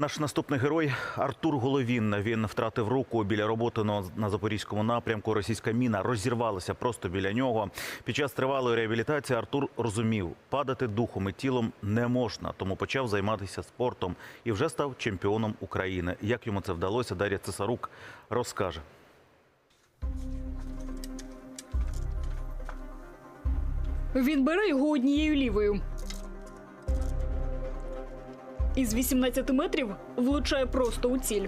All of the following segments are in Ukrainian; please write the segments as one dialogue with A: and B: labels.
A: Наш наступний герой – Артур Головін. Він втратив руку біля роботи на Запорізькому напрямку. Російська міна розірвалася просто біля нього. Під час тривалої реабілітації Артур розумів – падати духом і тілом не можна. Тому почав займатися спортом і вже став чемпіоном України. Як йому це вдалося, Дар'я Цесарук розкаже.
B: Він бере його однією лівою. Із 18 метрів влучає просто у ціль.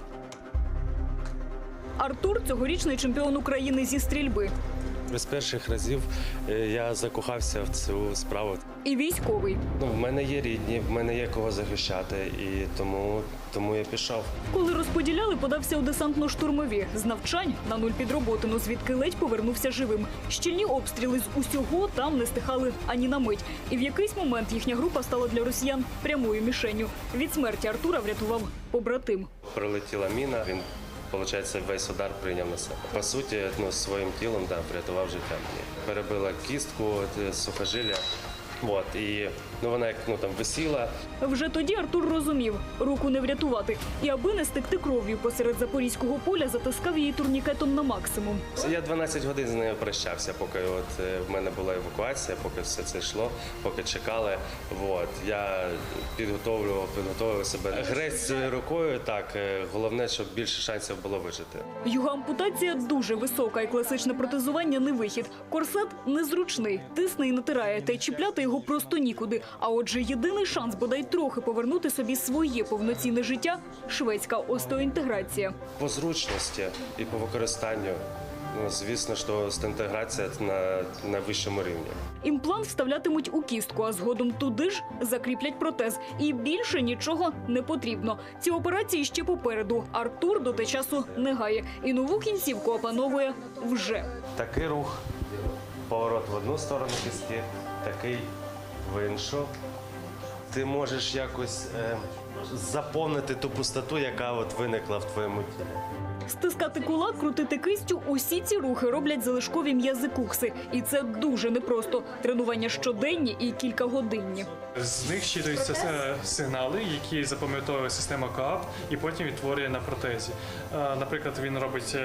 B: Артур – цьогорічний чемпіон України зі стрільби.
C: З перших разів я закохався в цю справу.
B: І військовий.
C: В мене є рідні, в мене є кого захищати, і тому я пішов.
B: Коли розподіляли, подався у десантно-штурмові. З навчань на нуль підроботину, звідки ледь повернувся живим. Щільні обстріли з усього там не стихали ані на мить. І в якийсь момент їхня група стала для росіян прямою мішенню. Від смерті Артура врятував побратим.
C: Прилетіла міна, він, виходить, весь удар прийняв на себе. По суті, своїм тілом врятував життя мені. Перебила кістку, сухожилля. І вона як там висіла.
B: Вже тоді Артур розумів – руку не врятувати. І аби не стекти кров'ю посеред запорізького поля, затискав її турнікетом на максимум.
C: Я 12 годин з нею прощався, поки в мене була евакуація, поки все це йшло, поки чекали. Я підготовлював себе. Грець цією рукою, так, головне, щоб більше шансів було вижити.
B: Його ампутація дуже висока і класичне протезування не вихід. Корсет незручний, тисне і натирає, та й чіпляти його просто нікуди. А отже, єдиний шанс бодай трохи повернути собі своє повноцінне життя – шведська остеоінтеграція.
C: По зручності і по використанню, звісно, що остеоінтеграція на вищому рівні.
B: Імплант вставлятимуть у кістку, а згодом туди ж закріплять протез. І більше нічого не потрібно. Ці операції ще попереду. Артур до те часу не гає. І нову кінцівку опановує вже.
C: Такий рух, поворот в одну сторону кістки, такий в іншу. Ти можеш якось заповнити ту пустоту, яка виникла в твоєму тілі.
B: Стискати кулак, крутити кистю – усі ці рухи роблять залишкові м'язи кукси. І це дуже непросто. Тренування щоденні і кількагодинні.
D: З них щитуються сигнали, які запам'ятовує система КАП і потім відтворює на протезі. Наприклад, він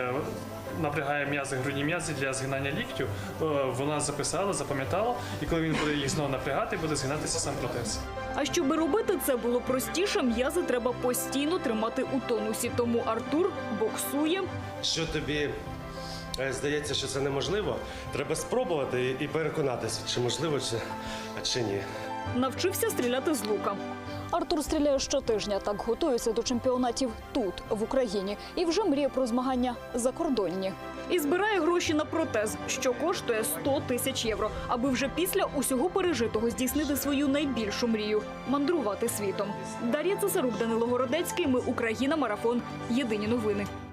D: напрягає м'язи, грудні м'язи для згинання ліктю. Вона записала, запам'ятала, і коли він буде їх знову напрягати, буде згинатися сам протез.
B: А щоб робити це було простіше, м'язи треба постійно тримати у тонусі. Тому Артур боксує.
C: Що тобі здається, що це неможливо, треба спробувати і переконатися, чи можливо, чи ні.
B: Навчився стріляти з лука. Артур стріляє щотижня, так готується до чемпіонатів тут, в Україні. І вже мріє про змагання закордонні. І збирає гроші на протез, що коштує 100 тисяч євро, аби вже після усього пережитого здійснити свою найбільшу мрію – мандрувати світом. Дар'я Цесарук, Данило Городецький. Ми Україна. Марафон. Єдині новини.